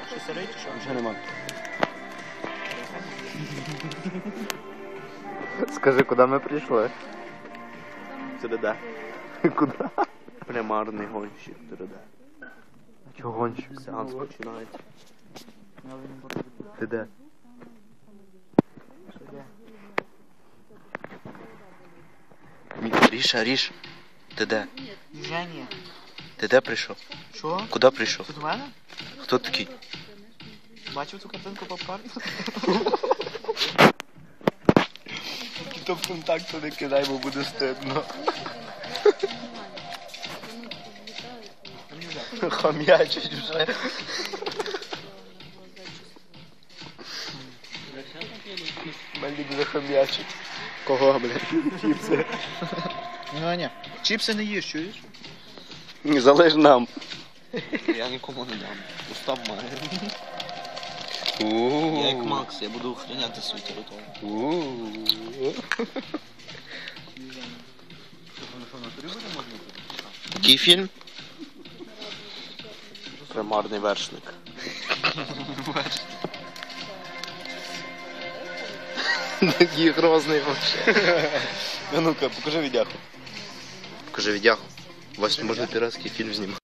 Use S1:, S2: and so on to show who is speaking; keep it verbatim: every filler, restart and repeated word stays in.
S1: Що сирий чи що?
S2: Вже нема. Скажи, куди ми прийшли?
S3: ТРД.
S2: Куди?
S3: Примарний гонщик ТРД.
S2: Чого гонщик?
S3: Сеанс починається.
S2: Ти де? Ріша, Ріш. Ти де?
S1: Женя.
S2: Ти де прийшов?
S1: Що?
S2: Куди прийшов?
S1: Тут у мене?
S2: Хто такий?
S1: Бачив цю картинку попкорн?
S2: То ВКонтакті не кидай, бо буде стидно. Хом'ячить вже. Мельник вже хом'ячить.
S3: Кого, блядь?
S2: Чіпси.
S1: Ганя, чіпси не їш, чуєш?
S2: Залиш нам.
S3: Я нікому не дам. Устав має.
S2: У-у-у.
S3: Я як Макс, я буду охороняти свою територію.
S2: У-у-у. Який фільм?
S3: Примарний вершник.
S2: Такий грозний вообще. А ну-ка, покажи відяху. Покажи відяху. Вась, можна піратський фільм знімати.